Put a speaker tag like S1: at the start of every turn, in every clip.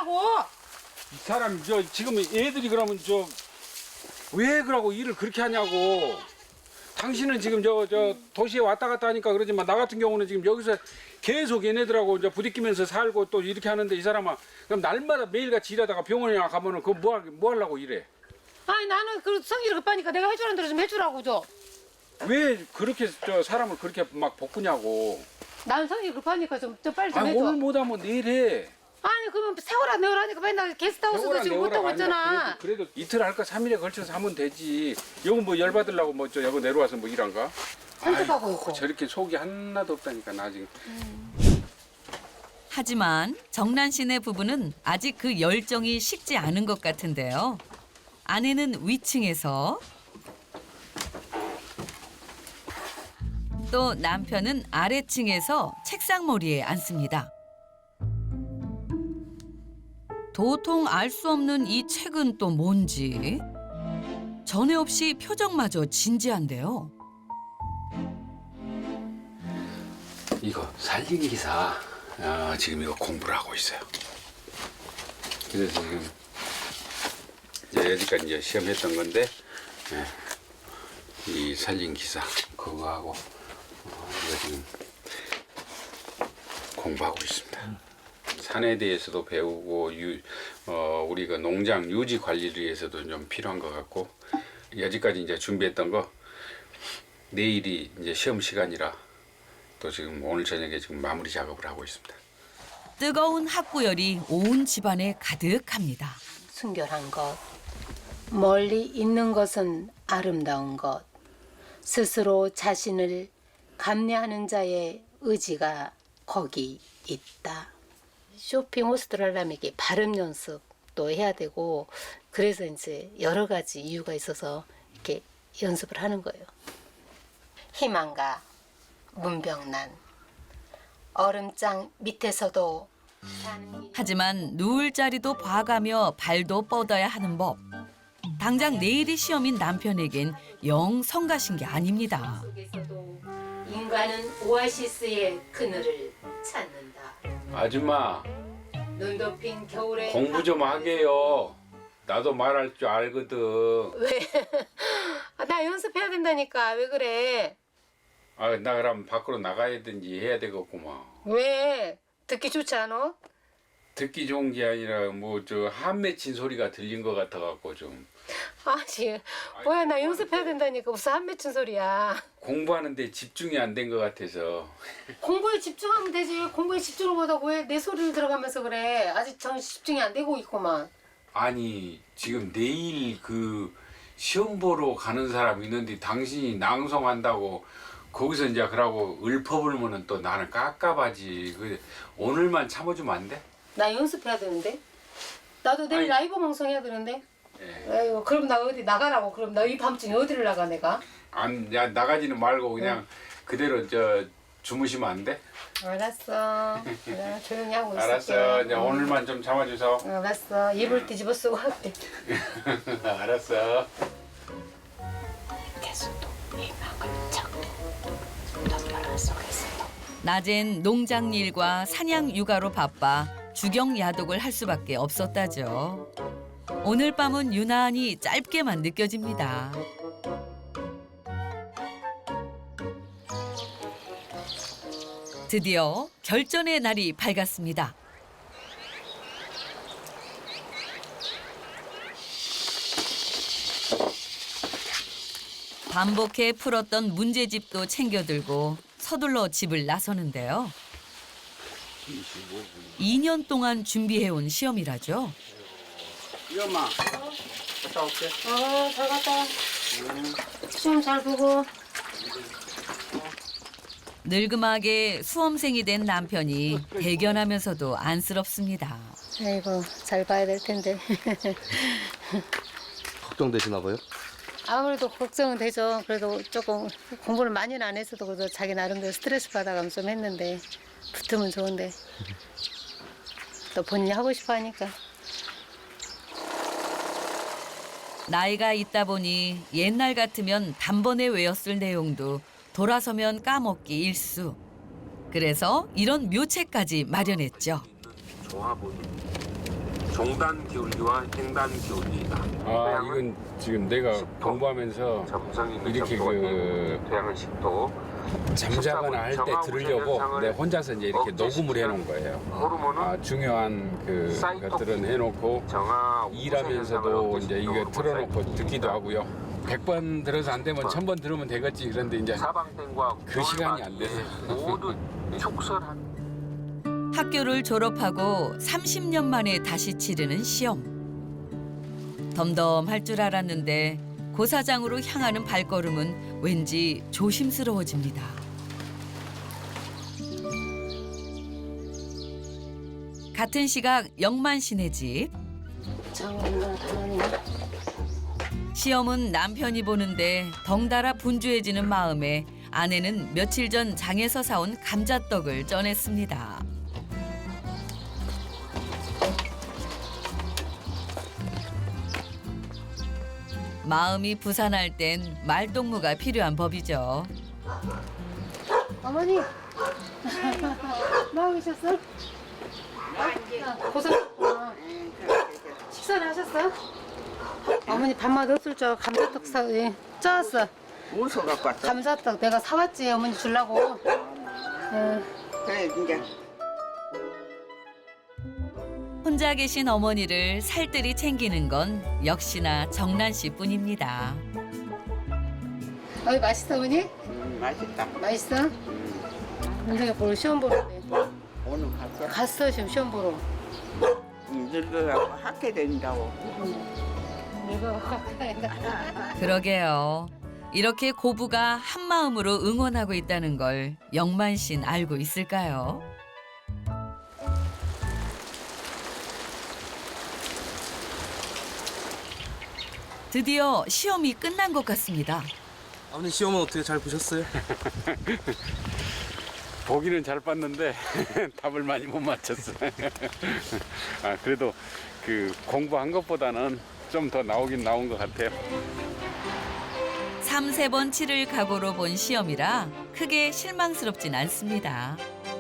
S1: 하라고.
S2: 이 사람 지금 애들이 그러면 왜 그러고 일을 그렇게 하냐고. 당신은 지금 도시에 왔다 갔다 하니까 그러지만 나 같은 경우는 지금 여기서 계속 얘네들하고 이제 부딪히면서 살고 또 이렇게 하는데 이 사람아 그럼 날마다 매일같이 일하다가 병원에 가면은 그거 뭐 하려고 이래?
S1: 아니 나는 그 성질이 급하니까 내가 해주라는 대로 좀 해주라고 줘.
S2: 왜 그렇게 사람을 그렇게 막 볶으냐고.
S1: 나는 성질이 급하니까 좀 빨리 좀
S2: 아니
S1: 해줘.
S2: 오늘 못하면 내일 해.
S1: 아니 그러면 세월아 내월하니까 맨날 게스트하우스도 지금 못하고 있잖아.
S2: 그래도 이틀 할까 3일에 걸쳐서 하면 되지. 여기 뭐 열받으려고 여기 내려와서 뭐 일한가?
S1: 산책하고 있고.
S2: 저렇게 속이 하나도 없다니까 나 지금.
S3: 하지만 정란 씨네 부부는 아직 그 열정이 식지 않은 것 같은데요. 아내는 위층에서 또 남편은 아래층에서 책상머리에 앉습니다. 도통 알 수 없는 이 책은 또 뭔지 전에 없이 표정마저 진지한데요.
S2: 이거 살리기 기사 지금 이거 공부를 하고 있어요. 그래서 지금 여기까지 이제 시험했던 건데 이 살린 기사 그거 하고 이거 지금 공부하고 있습니다. 산에 대해서도 배우고 우리가 농장 유지 관리를 위해서도 좀 필요한 것 같고 여기까지 이제 준비했던 거 내일이 이제 시험 시간이라 또 지금 오늘 저녁에 지금 마무리 작업을 하고 있습니다.
S3: 뜨거운 학구열이 온 집안에 가득합니다.
S1: 순결한 것, 멀리 있는 것은 아름다운 것, 스스로 자신을 감내하는 자의 의지가 거기 있다. 쇼핑 호스트를 하려면 이게 발음 연습도 해야 되고 그래서 이제 여러 가지 이유가 있어서 이렇게 연습을 하는 거예요. 희망가, 문병난, 얼음장 밑에서도
S3: 하지만 누울 자리도 봐가며 발도 뻗어야 하는 법. 당장 내일이 시험인 남편에겐 영 성가신 게 아닙니다.
S1: 속에서도 인간은 오아시스의 그늘을 찾는다.
S2: 아줌마
S1: 눈 덮인 겨울에
S2: 공부 좀 하게요. 나도 말할 줄 알거든.
S1: 왜? 나 연습해야 된다니까. 왜 그래?
S2: 나 그럼 밖으로 나가야든지 해야 되겠구만.
S1: 왜? 듣기 좋지 않아?
S2: 듣기 좋은 게 아니라 한 맺힌 소리가 들린 것 같아 갖고 좀
S1: 아니 뭐야 나 연습해야 된다니까 무슨 한 맺힌 소리야.
S2: 공부하는데 집중이 안 된 것 같아서.
S1: 공부에 집중하면 되지. 공부에 집중을 못하고 왜 내 소리를 들어가면서 그래. 아직 전 집중이 안 되고 있구만.
S2: 아니 지금 내일 그 시험 보러 가는 사람 있는데 당신이 낭송한다고 거기서 이제 그러고 읊어불면은 또 나는 깝깝하지. 오늘만 참아주면 안 돼?
S1: 나 연습해야 되는데. 나도 내일
S2: 아니,
S1: 라이브 방송해야 되는데.
S2: 예.
S1: 아이고 그럼 나 어디 나가라고. 그럼 나 이 밤중에 어디를 나가 내가?
S2: 나가지는 말고 그냥 그대로 주무시면 안 돼?
S1: 알았어. 내가 조용히 하고 있을게.
S2: 알았어. 이제 오늘만 좀 참아줘서.
S1: 알았어. 이불 뒤집어 쓰고 할게.
S2: 알았어.
S1: 계속도 희망을 찾고 덤벼라 속에서.
S3: 낮엔 농장 일과 사냥 육아로 바빠 주경 야독을 할 수밖에 없었다죠. 오늘 밤은 유난히 짧게만 느껴집니다. 드디어 결전의 날이 밝았습니다. 반복해 풀었던 문제집도 챙겨들고 서둘러 집을 나서는데요. 2년 동안 준비해온 시험이라죠.
S2: 이 엄마 갔다 올게.
S1: 잘 갔다 와. 시험 잘 보고.
S3: 늙음하게 수험생이 된 남편이 대견하면서도 안쓰럽습니다.
S1: 아이고 잘 봐야 될 텐데.
S4: 걱정되시나 봐요?
S1: 아무래도 걱정은 되죠. 그래도 조금 공부를 많이는 안 했어도 그래도 자기 나름대로 스트레스 받아가면서 좀 했는데 붙으면 좋은데 또 본인이 하고 싶어 하니까.
S3: 나이가 있다 보니 옛날 같으면 단번에 외웠을 내용도 돌아서면 까먹기 일수. 그래서 이런 묘책까지 마련했죠.
S4: 좋아 보이는 종단 기울기와 횡단 기울기이다.
S2: 아 이건 지금 내가 공부하면서 이렇게
S4: 태양은 10도.
S2: 잠자거나 할 때 들으려고 내 혼자서 이제 이렇게 녹음을 해놓은 거예요. 아, 중요한 그 것들은 해놓고 일하면서도 이제 이거 틀어놓고 듣기도 하고요. 100번 들어서 안 되면 1000번 들으면 되겠지. 그런데 이제 그 시간이 안 돼서.
S4: 모두 축설한
S3: 학교를 졸업하고 30년 만에 다시 치르는 시험. 덤덤할 줄 알았는데 고사장으로 향하는 발걸음은 왠지 조심스러워집니다. 같은 시각 영만 씨네 집. 시험은 남편이 보는데 덩달아 분주해지는 마음에 아내는 며칠 전 장에서 사온 감자떡을 쪄냈습니다. 마음이 부산할 땐 말동무가 필요한 법이죠.
S1: 어머니, 뭐 하고 계셨어? 고생했구나. 식사는 하셨어요? 어머니 밥맛 없을 줄 알고 감자떡 쪄왔어.
S5: 무서 갖고 왔어.
S1: 감자떡 내가 사왔지 어머니 주려고.
S5: 그래 이제
S3: 혼자 계신 어머니를 살뜰히 챙기는 건 역시나 정란 씨뿐입니다.
S1: 맛있어 어머니?
S5: 맛있다.
S1: 맛있어? 은정이 보러 시험 보러 돼.
S5: 오늘 갔어.
S1: 갔어 지금 시험 보러.
S5: 늙어갖고 학교 다닌다고.
S1: 이거
S3: 그러게요. 이렇게 고부가 한 마음으로 응원하고 있다는 걸 영만 씨는 알고 있을까요? 드디어 시험이 끝난 것 같습니다.
S6: 아버님 시험은 어떻게 잘 보셨어요?
S2: 보기는 잘 봤는데 답을 많이 못 맞췄어. 아, 그래도 그 공부한 것보다는 좀 더 나오긴 나온 것 같아요.
S3: 3-4번 치를 각오로 본 시험이라 크게 실망스럽진 않습니다.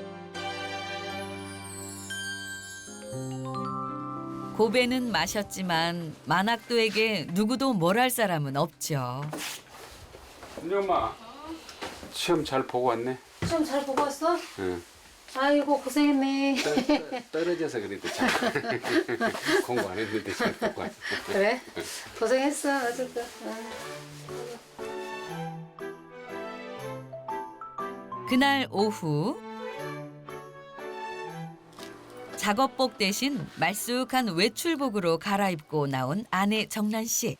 S3: 고배는 마셨지만 만학도에게 누구도 뭘 할 사람은 없죠.
S2: 은지 엄마, 시험 잘 보고 왔네.
S1: 시험 잘 보고 왔어?
S2: 응.
S1: 아이고 고생했네.
S2: 떨어져서 그래도 잘 공부 안 했는데 잘 보고 왔어.
S1: 그래? 고생했어 어쨌든.
S3: 그날 오후 작업복 대신 말쑥한 외출복으로 갈아입고 나온 아내 정란 씨.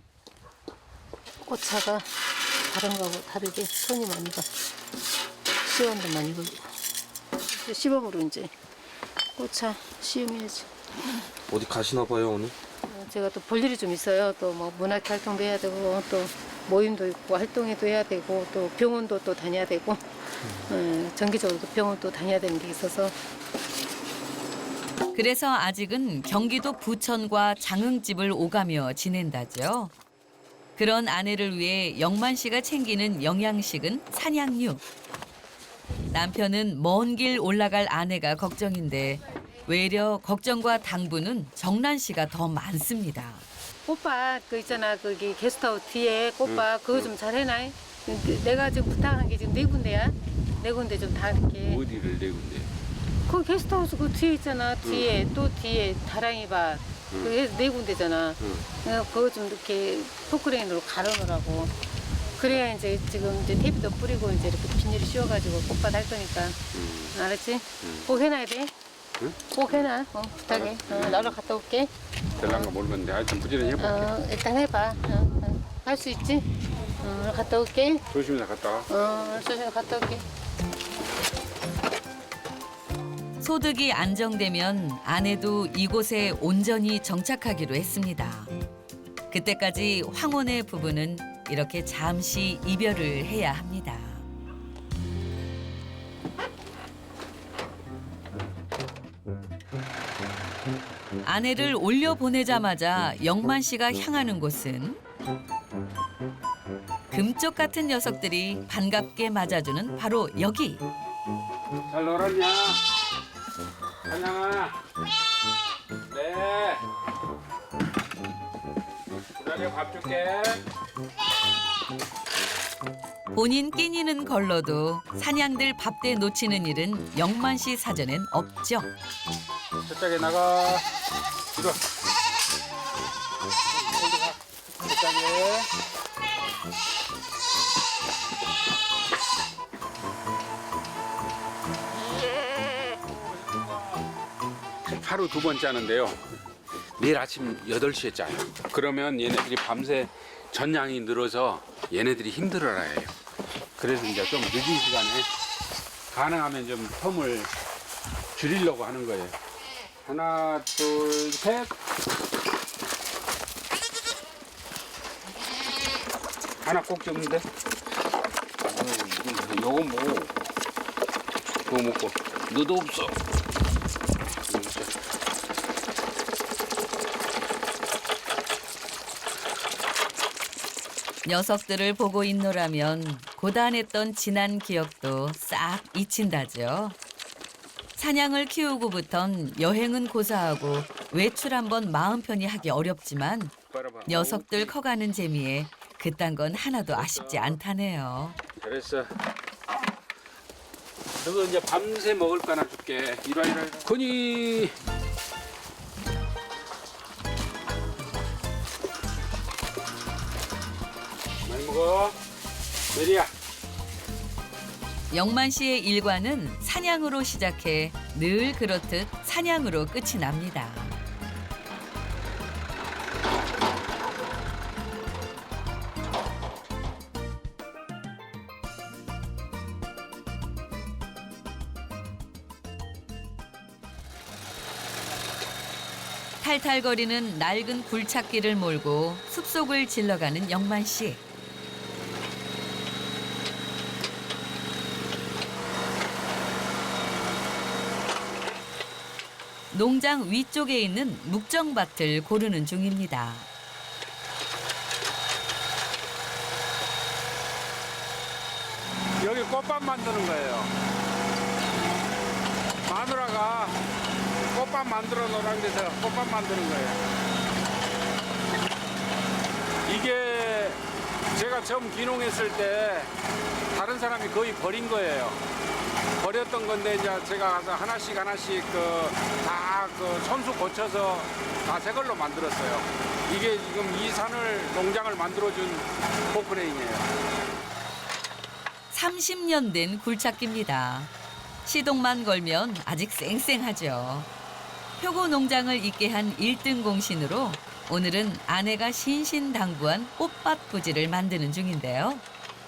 S1: 꽃차가 다른 거하고 다르게 손이 많이 가. 시원도 많이 걸고. 시범으로 이제 꽃차 시음해야지.
S6: 어디 가시나 봐요 오늘?
S1: 제가 또 볼 일이 좀 있어요. 또 뭐 문학 활동도 해야 되고 또 모임도 있고 활동회도 해야 되고 또 병원도 또 다녀야 되고 정기적으로 또 병원 또 다녀야 되는 게 있어서.
S3: 그래서 아직은 경기도 부천과 장흥집을 오가며 지낸다죠. 그런 아내를 위해 영만 씨가 챙기는 영양식은 산양류. 남편은 먼 길 올라갈 아내가 걱정인데 외려 걱정과 당부는 정란 씨가 더 많습니다.
S1: 꽃밭 그 있잖아 거기 게스트하우스 뒤에 꽃밭 그거 좀 잘 해놔. 내가 지금 부탁한 게 지금 4군데야. 4군데 좀 다 이렇게.
S2: 어디를 내군데?
S1: 그 게스트하우스 그 뒤에 있잖아. 뒤에 또 뒤에 다랑이밭. 그게 4군데잖아. 그거 좀 이렇게 포크레인으로 갈아놓으라고. 그래야 이제 지금 이제 테이프도 뿌리고 이제 이렇게 비닐을 씌워가지고 꽃밭 할 거니까. 알았지? 꼭 해놔야 돼.
S2: 응?
S1: 꼭 해놔. 부탁해. 나로 갔다 올게.
S2: 될란가 모르겠는데 하여튼 부지런히 해볼게.
S1: 일단 해봐. 할 수 있지? 갔다 올게.
S2: 조심해서 갔다 와.
S1: 조심히 갔다 올게.
S3: 소득이 안정되면 아내도 이곳에 온전히 정착하기로 했습니다. 그때까지 황혼의 부부는 이렇게 잠시 이별을 해야 합니다. 아내를 올려보내자마자 영만 씨가 향하는 곳은 금쪽 같은 녀석들이 반갑게 맞아주는 바로 여기.
S2: 잘 놀았냐? 한양아. 네. 내가 밥 줄게.
S3: 본인 끼니는 걸러도 사냥들 밥대 놓치는 일은 영만 씨 사전엔 없죠.
S2: 저쪽에 나가. 이거. 저쪽에. 하루 2번 짜는데요. 내일 아침 8시에 짜요. 그러면 얘네들이 밤새 전량이 늘어서 얘네들이 힘들어라 해요. 그래서 이제 좀 늦은 시간에 가능하면 좀 텀을 줄이려고 하는 거예요. 하나, 둘, 셋. 하나 꼭 잡는데? 요건 뭐? 그거 먹고. 너도 없어.
S3: 녀석들을 보고 있노라면 고단했던 지난 기억도 싹 잊힌다죠. 사냥을 키우고부턴 여행은 고사하고 외출 한번 마음 편히 하기 어렵지만 녀석들 커가는 재미에 그딴 건 하나도 아쉽지 않다네요.
S2: 잘했어. 너거 이제 밤새 먹을 거 하나 줄게. 이리 와. 건이. 많이 먹어. 메리야.
S3: 영만 씨의 일과는 사냥으로 시작해 늘 그렇듯 사냥으로 끝이 납니다. 탈탈거리는 낡은 굴착기를 몰고 숲속을 질러가는 영만 씨. 농장 위쪽에 있는 묵정밭을 고르는 중입니다.
S2: 여기 꽃밭 만드는 거예요. 마누라가 꽃밭 만들어 놓으라는 데서 꽃밭 만드는 거예요. 이게 제가 처음 귀농했을 때 다른 사람이 거의 버린 거예요. 버렸던 건데 이제 제가 가서 하나씩 다 그 손수 고쳐서 다 새 걸로 만들었어요. 이게 지금 이 산을 농장을 만들어준 포크레인이에요.
S3: 30년 된 굴착기입니다. 시동만 걸면 아직 쌩쌩하죠. 표고 농장을 있게 한 1등 공신으로 오늘은 아내가 신신당부한 꽃밭 부지를 만드는 중인데요.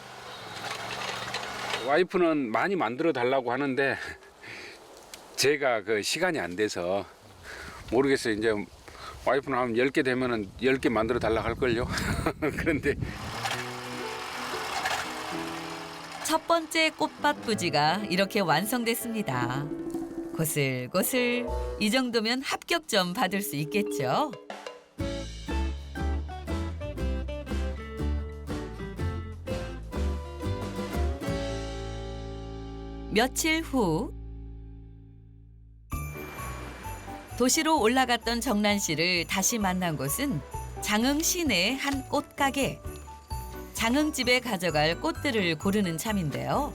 S2: 와이프는 많이 만들어 달라고 하는데 제가 그 시간이 안 돼서 모르겠어요. 이제 와이프는 하면 10개 되면은 10개 만들어 달라고 할걸요. 그런데
S3: 첫 번째 꽃밭 부지가 이렇게 완성됐습니다. 고슬고슬 이 정도면 합격점 받을 수 있겠죠. 며칠 후 도시로 올라갔던 정란 씨를 다시 만난 곳은 장흥 시내의 한 꽃가게. 장흥집에 가져갈 꽃들을 고르는 참인데요.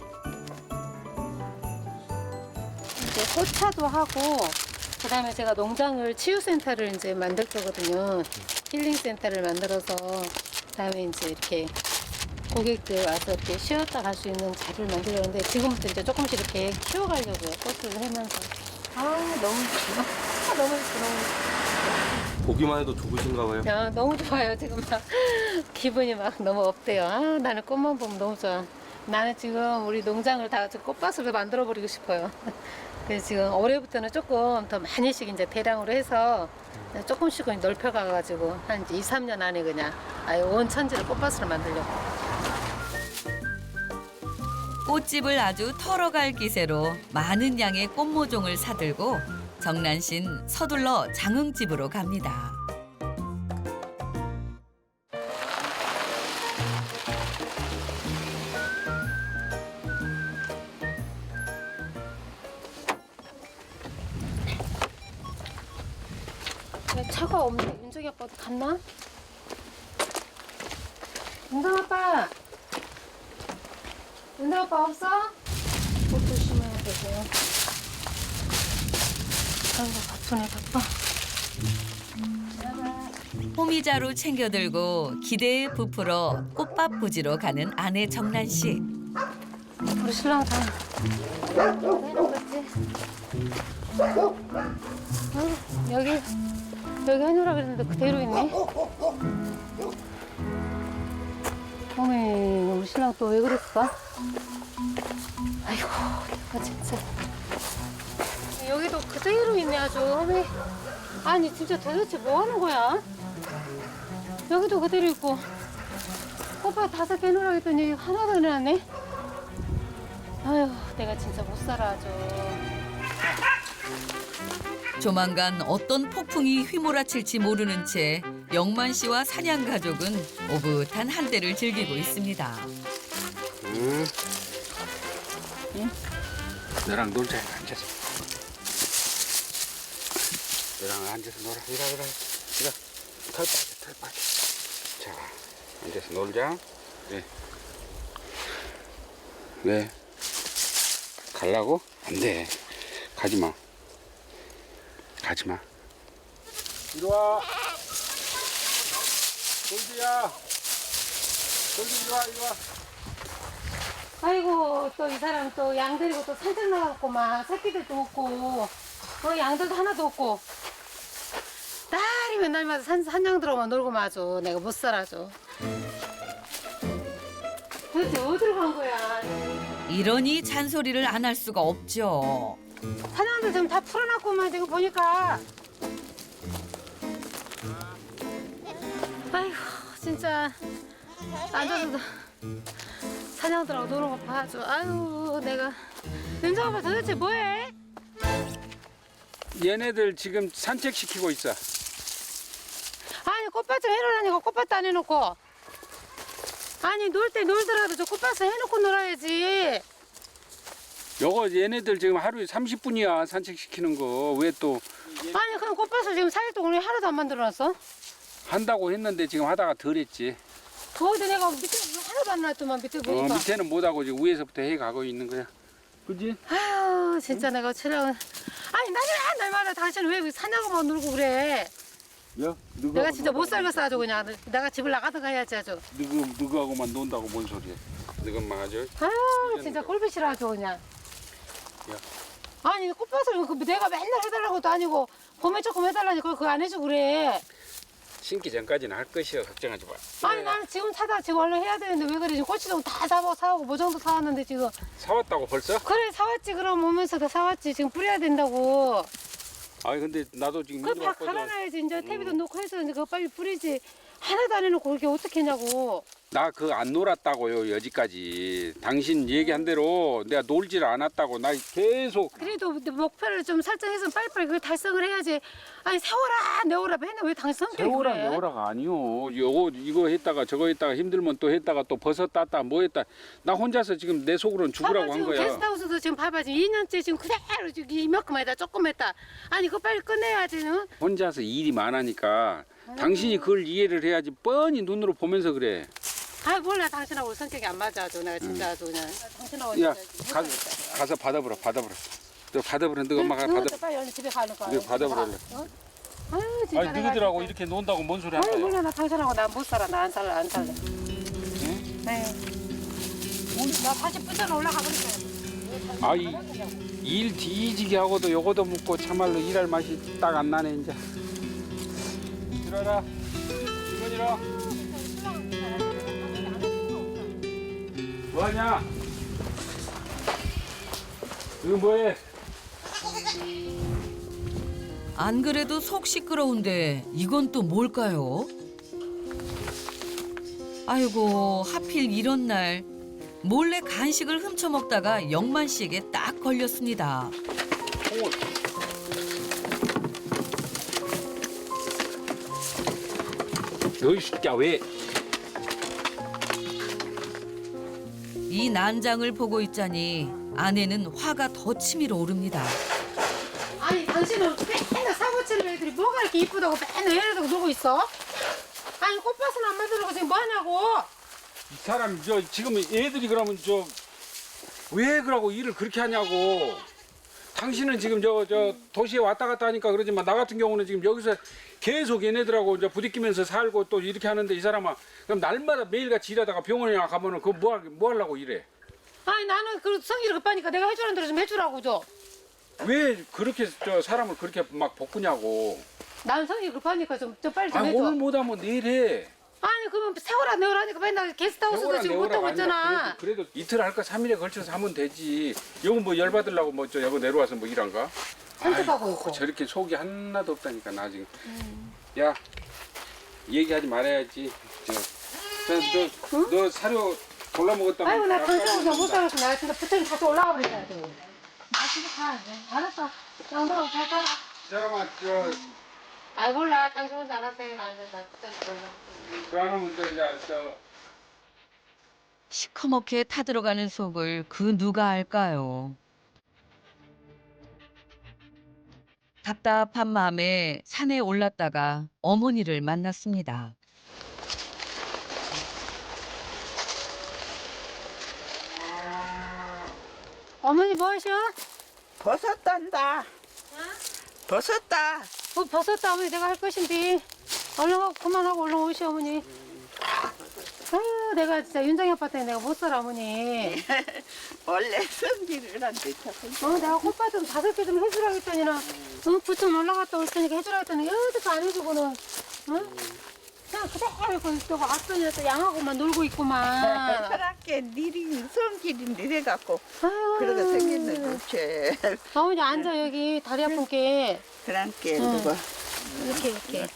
S1: 이제 꽃차도 하고 그다음에 제가 농장을 치유센터를 이제 만들 거거든요. 힐링센터를 만들어서 그다음에 이제 이렇게 고객들 와서 이렇게 쉬었다 갈 수 있는 자리를 만들었는데 지금부터 이제 조금씩 이렇게 키워가려고요. 꽃을 하면서 너무 좋아. 너무 좋아.
S6: 보기만 해도 좋으신가 봐요.
S1: 너무 좋아요. 지금 막 기분이 막 너무 업돼요. 나는 꽃만 보면 너무 좋아. 나는 지금 우리 농장을 다 꽃밭으로 만들어 버리고 싶어요. 그래서 지금 올해부터는 조금 더 많이씩 이제 대량으로 해서 조금씩 넓혀가가지고 한 2, 3년 안에 그냥 아예 온 천지를 꽃밭으로 만들려고.
S3: 꽃집을 아주 털어갈 기세로 많은 양의 꽃모종을 사들고 정란 씨는 서둘러 장흥집으로 갑니다.
S1: 차가 없네. 윤정이 아빠도 갔나? 은성 아빠. 은성 아빠 없어? 옷 조심해야 되고요. 아이고 바쁘네 바빠.
S3: 호미자루 챙겨들고 기대에 부풀어 꽃밥 부지로 가는 아내 정란 씨.
S1: 우리 신랑 다 해놓겠지. 여기 해놓으라 그랬는데 그대로 있네. 어메 우리 신랑 또 왜 그랬어? 아이고 내가 진짜 여기도 그대로 있네 아주. 어메 아니 진짜 도대체 뭐 하는 거야? 여기도 그대로 있고 오빠 5개 해놓으라 했더니 하나도 안 해놨네. 아휴 내가 진짜 못 살아 아주.
S3: 조만간 어떤 폭풍이 휘몰아칠지 모르는 채 영만 씨와 사냥 가족은 오붓한 한때를 즐기고 있습니다.
S2: 너랑 놀자 앉아서. 너랑 앉아서 놀아. 이리. 털 빠져. 자, 앉아서 놀자. 네. 왜? 갈라고? 안 돼. 가지 마. 이리 와. 돌지야. 돌지 이리 와.
S1: 아이고 또 이 사람 또 양 데리고 또 산책 나가고 막 새끼들도 없고 양들도 하나도 없고 날이 맨날마다 산양 들어오면 놀고 마죠. 내가 못 살아죠. 도대체 어디로 간 거야?
S3: 이러니 잔소리를 안 할 수가 없죠.
S1: 사냥들 지금 다 풀어놨구만 지금 보니까. 아이고 진짜 앉아서 사냥들하고 노는 거 봐줘. 아유 내가 윤정 아빠 도대체 뭐해?
S2: 얘네들 지금 산책시키고 있어.
S1: 아니 꽃밭 좀 해놓으라니까 꽃밭도 안 해놓고. 아니 놀 때 놀더라도 저 꽃밭을 해놓고 놀아야지.
S2: 요거 얘네들 지금 하루에 30분이야 산책시키는 거. 왜 또
S1: 아니 그럼 꽃밭을 지금 4일 동안 왜 하나도 안 만들어놨어?
S2: 한다고 했는데 지금 하다가 덜 했지.
S1: 더운데 내가 밑에 하나도 안 놨더만 밑에 보니까.
S2: 밑에는 못하고 지금 위에서부터 해 가고 있는 거야. 그지?
S1: 아유 진짜 내가 촬영. 아니 날마다 당신은 왜 사냥하고만 놀고 그래?
S2: 야,
S1: 내가 진짜 못 살겠어 아주 그냥. 내가 집을 나가든가 해야지 아주.
S2: 너하고만 논다고 뭔 소리야? 너만 아주.
S1: 아유 진짜 꼴보기 싫어 아주 그냥.
S2: 야.
S1: 아니 꽃밭을 내가 맨날 해달라고도 아니고 봄에 조금 해달라니까 그거 안 해주고 그래.
S2: 심기 전까지는 할 것이야. 걱정하지 마.
S1: 아니 나는 지금 사다 지금 얼른 해야 되는데 왜 그래? 지금 고추장 다 사오고 모종도 사왔는데 지금.
S2: 사왔다고 벌써?
S1: 그래 사왔지. 그럼 오면서 다 사왔지. 지금 뿌려야 된다고.
S2: 아니 근데 나도 지금
S1: 그거 다
S2: 왔거든.
S1: 갈아놔야지. 이제 퇴비도 넣고 해서 이제 그거 빨리 뿌리지. 하나도 안 해놓고 그렇게 어떻게 했냐고.
S2: 나 그거 안 놀았다고요 여지까지. 당신 얘기한 대로 내가 놀지를 않았다고. 나 계속
S1: 그래도 목표를 좀 설정해서 빨리빨리 그걸 달성을 해야지. 아니 세워라 내오라 맨날 왜 당신 성격이
S2: 세월아
S1: 그래?
S2: 내오라가 아니요. 이거 했다가 저거 했다가 힘들면 또 했다가 또 버섯 땄다 뭐 했다. 나 혼자서 지금 내 속으로는 죽으라고
S1: 봐봐,
S2: 한
S1: 지금
S2: 거야.
S1: 게스트하우스도 지금 봐봐 지금 2년째 지금 그대로 지금 이만큼 했다 조금 했다. 아니 그거 빨리 끝내야지. 응?
S2: 혼자서 일이 많으니까 당신이 그걸 이해를 해야지. 뻔히 눈으로 보면서 그래.
S1: 아 몰라 당신하고 우리 성격이 안 맞아 아주 내가 진짜 아주 그냥 당신하고
S2: 야
S1: 진짜
S2: 가서 받아보라. 너 받아보라. 너 엄마가
S1: 응,
S2: 받아.
S1: 빨리 얼른 집에 가는 거야.
S2: 네, 받아보라.
S1: 어? 아유 진짜
S2: 아니
S1: 내가
S2: 너희들하고
S1: 진짜.
S2: 이렇게 논다고 뭔 소리
S1: 아유
S2: 하는 거야?
S1: 몰라 나 당신하고 나 못 살아. 나 안 살래. 네. 나 다시 부천 올라가 버릴게.
S2: 아이 일 뒤지게 하고도 요거도 묻고 참말로 일할 맛이 딱 안 나네 이제. 일어라. 이건 일어. 뭐하냐? 이거 뭐해?
S3: 안 그래도 속 시끄러운데 이건 또 뭘까요? 아이고 하필 이런 날 몰래 간식을 훔쳐 먹다가 영만 씨에게 딱 걸렸습니다.
S2: 너희 진짜 왜?
S3: 이 난장을 보고 있자니 아내는 화가 더 치밀어 오릅니다.
S1: 아니 당신은 맨날 사고 치는 애들이 뭐가 이렇게 이쁘다고 맨날 얘네들 놀고 있어? 아니 꽃밭은 안 만들고 지금 뭐 하냐고?
S2: 이 사람 지금 애들이 그러면 왜 그러고 일을 그렇게 하냐고. 당신은 지금 도시에 왔다 갔다 하니까 그러지만 나 같은 경우는 지금 여기서 계속 얘네들하고 이제 부딪히면서 살고 또 이렇게 하는데 이 사람아 그럼 날마다 매일같이 일하다가 병원에 가면은 그거 뭐 하려고 이래?
S1: 아니 나는 그 성질이 급하니까 내가 해주는 대로 좀 해주라고 줘.
S2: 왜 그렇게 사람을 그렇게 막 볶으냐고.
S1: 난 성질이 급하니까 좀 빨리 좀
S2: 아
S1: 해줘.
S2: 오늘 못하면 내일 해.
S1: 아니 그러면 세월아 내월 하니까 맨날 게스트하우스도 지금 못하고 있잖아.
S2: 그래도 이틀 할까 3일에 걸쳐서 하면 되지. 이거 뭐 열받으려고 여기 내려와서 뭐 일한가?
S1: 선택하고 있고.
S2: 저렇게 속이 하나도 없다니까 나 지금. 야 얘기하지 말아야지. 너 사료 골라 먹었다고.
S1: 아이고 나 당장은 못 살았어. 나 진짜 부처님 다시 올라가 버리자. 나 집에 가. 알았어. 양보하고 잘 살아.
S2: 잠깐만
S1: 아 몰라. 당신 혼자 알아서 해. 나 부처님 몰라.
S2: 그러면
S3: 시커멓게 타들어가는 속을 그 누가 알까요? 답답한 마음에 산에 올랐다가 어머니를 만났습니다.
S1: 어머니 뭐 하셔?
S5: 버섯 딴다. 버섯 따.
S1: 뭐 버섯도 어머니 내가 할 것인데 얼른 하고 그만하고 얼른 오시오 어머니. 아유 내가 진짜 윤정이 아파트에 내가 못 살아 어머니.
S5: 원래 성질을 한데 자꾸.
S1: 내가 꽃밭 좀 5개 좀 해주라 했더니는 부천 올라갔다 올 테니까 해주라 했더니 여기도 안 해주고는 그냥 그대로 또 왔더니 또 양하고만 놀고 있구만.
S5: 사람께 니리 성질이 느려갖고
S1: 아유.
S5: 그러게 생겼네 그치.
S1: 어머니 앉아 여기 다리 아픈 게
S5: 사람께
S1: 응.
S5: 누가
S1: 이렇게.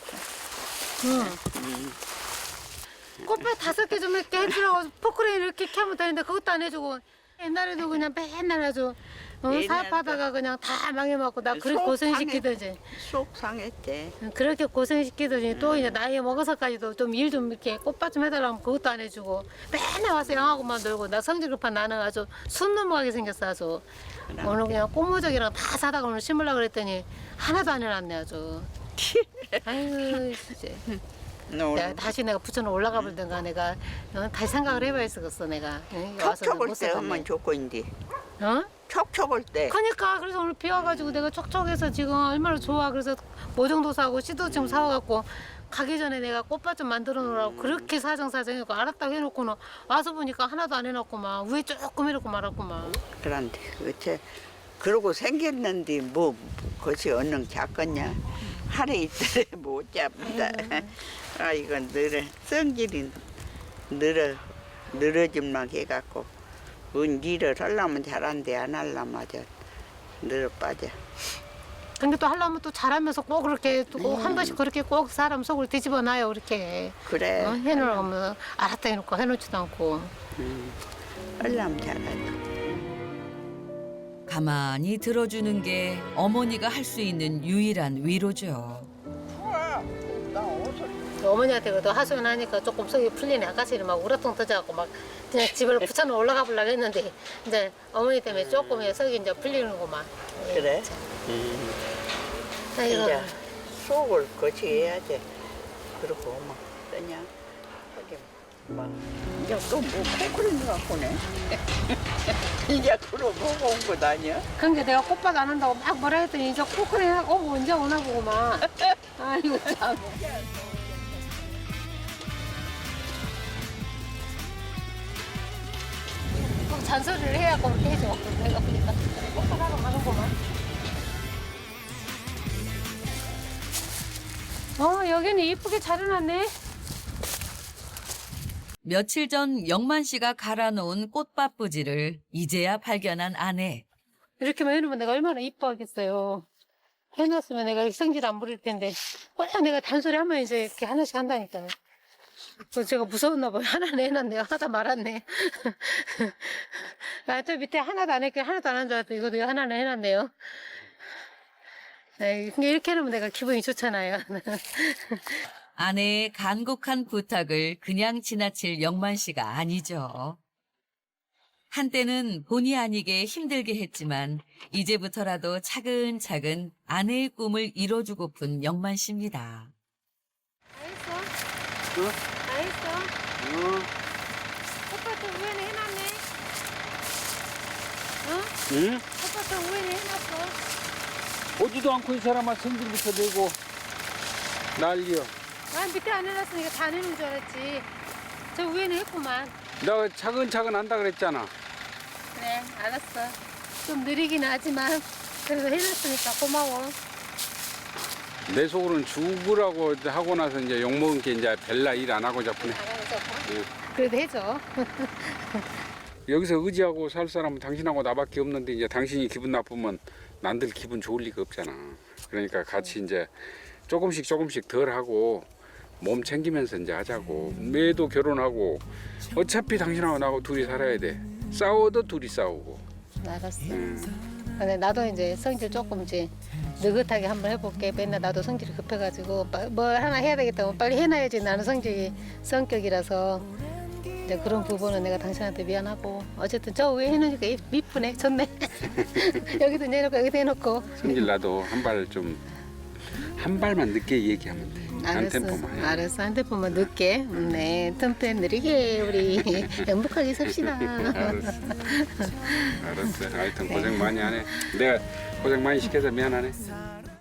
S1: 꽃밭 5개 좀 이렇게 해주라고 포크레인 이렇게 하면 되는데 그것도 안 해주고 옛날에도 그냥 맨날 아주 사업하다가 그냥 다 망해먹고 나 그렇게
S5: 속
S1: 고생시키더지.
S5: 속 상했대.
S1: 그렇게 고생시키더니 또 이제 나이 먹어서까지도 좀 일 좀 이렇게 꽃밭 좀 해달라면 그것도 안 해주고 맨날 와서 양하고만 놀고 나 성질 급한 나는 아주 숨 넘어가게 생겼어 아주. 오늘 그냥 꽃모적이랑 다 사다가 오늘 심으려고 그랬더니 하나도 안 해놨네 아주. 아유 진짜. 내가 다시 내가 부천으로 올라가 볼든가 내가 다시 생각을 해봐야겠어 내가.
S5: 촉촉할 때 하면 좋고인데.
S1: 어?
S5: 촉촉할 때.
S1: 그러니까 그래서 오늘 비 와가지고 내가 촉촉해서 지금 얼마나 좋아. 그래서 모종도 사고 씨도 지금 사와갖고 가기 전에 내가 꽃밭 좀 만들어 놓으라고 그렇게 사정사정해갖고 알았다고 해놓고는 와서 보니까 하나도 안 해놨구만. 위에 조금 해놓고 말았구만.
S5: 그런데 그치. 그러고 생겼는데 뭐 그것이 얼른 작겠냐. 하루 이틀에 못 잡는다. 아 이건 성질이 늘어짐만 해갖고 일을 하려면 잘한대 안 하려면 아주 늘어 빠져.
S1: 근데 또 하려면 또 잘하면서 꼭 그렇게 또 한 번씩 그렇게 꼭 사람 속을 뒤집어 놔요 그렇게.
S5: 그래.
S1: 해놓으면 알았다 해놓고 해놓지도 않고.
S5: 하려면 잘하죠.
S3: 가만히 들어주는 게 어머니가 할 수 있는 유일한 위로죠.
S5: 나 옷을
S1: 어머니한테 그래도 하소연하니까 조금 속이 풀리네. 아까처럼 막 우라통 터져갖고 막 그냥 집을 부천으로 올라가 보려고 했는데 이제 어머니 때문에 조금 속이 이제 풀리는구만.
S5: 그래.
S1: 아이고.
S5: 이제 속을 거치해야지. 그러고 막 그냥 하긴 막 이제 또뭐 콩크림 갖고네. 이제 그러고 온 거 아니야?
S1: 그러니까 내가 꽃밭 안 한다고 막 뭐라 했더니 이제 코크레 하고 언제 오나 보고만. 아이고 참. 꼭 잔소리를 해야 그렇게 해줘. 내가 보니까 꽃밭 하러 가는구만. 여기는 이쁘게 잘 해놨네.
S3: 며칠 전 영만 씨가 갈아놓은 꽃밭 부지를 이제야 발견한 아내.
S1: 이렇게만 해놓으면 내가 얼마나 이뻐하겠어요. 해놨으면 내가 성질 안 부릴 텐데. 꼭 내가 단소리 하면 이제 이렇게 하나씩 한다니까요. 제가 무서웠나 봐요. 하나는 해놨네요. 하나도 말았네. 저 밑에 하나도 안 했고 하나도 안 한 줄 알았더니 이것도 하나는 해놨네요. 네, 근데 이렇게 해놓으면 내가 기분이 좋잖아요.
S3: 아내의 간곡한 부탁을 그냥 지나칠 영만 씨가 아니죠. 한때는 본의 아니게 힘들게 했지만 이제부터라도 차근차근 아내의 꿈을 이뤄주고픈 영만 씨입니다.
S1: 다 했어? 다 했어? 우회는 해놨네. 어?
S2: 응?
S1: 아빠도 우회는 해놨어.
S2: 오지도 않고 이 사람아 성질부터 내고 난리여.
S1: 아, 밑에 안 해놨으니까 다 내는 줄 알았지. 저 위에는 했구만.
S2: 나 차근차근 한다 그랬잖아.
S1: 그래, 알았어. 좀 느리긴 하지만 그래도 해놨으니까 고마워.
S2: 내 속으로는 죽으라고 하고 나서 이제 욕먹은 게 이제 벨라 일 안 하고 자꾸네.
S1: 안 하면서.
S2: 응.
S1: 그래도 해줘.
S2: 여기서 의지하고 살 사람은 당신하고 나밖에 없는데 이제 당신이 기분 나쁘면 남들 기분 좋을 리가 없잖아. 그러니까 같이 이제 조금씩 덜 하고 몸 챙기면서 이제 하자고. 매도 결혼하고 어차피 당신하고 나하고 둘이 살아야 돼. 싸워도 둘이 싸우고.
S1: 알았어. 근데 나도 이제 성질 조금 이제 느긋하게 한번 해볼게. 맨날 나도 성질이 급해가지고 뭐 하나 해야 되겠다고 빨리 해놔야지. 나는 성격이라서 이제 그런 부분은 내가 당신한테 미안하고 어쨌든 저 위에 해놓으니까 이쁘네. 좋네. 여기도 내놓고 여기도 해놓고.
S2: 성질 나도 한 발만 늦게 얘기하면 돼. 한
S1: 알았어.
S2: 템포만.
S1: 알았어. 한 템포만 늦게. 네. 템포 느리게 우리 행복하게 삽시다.
S2: 알았어. 하여튼 고생 많이 하네. 내가 고생 많이 시켜서 미안하네.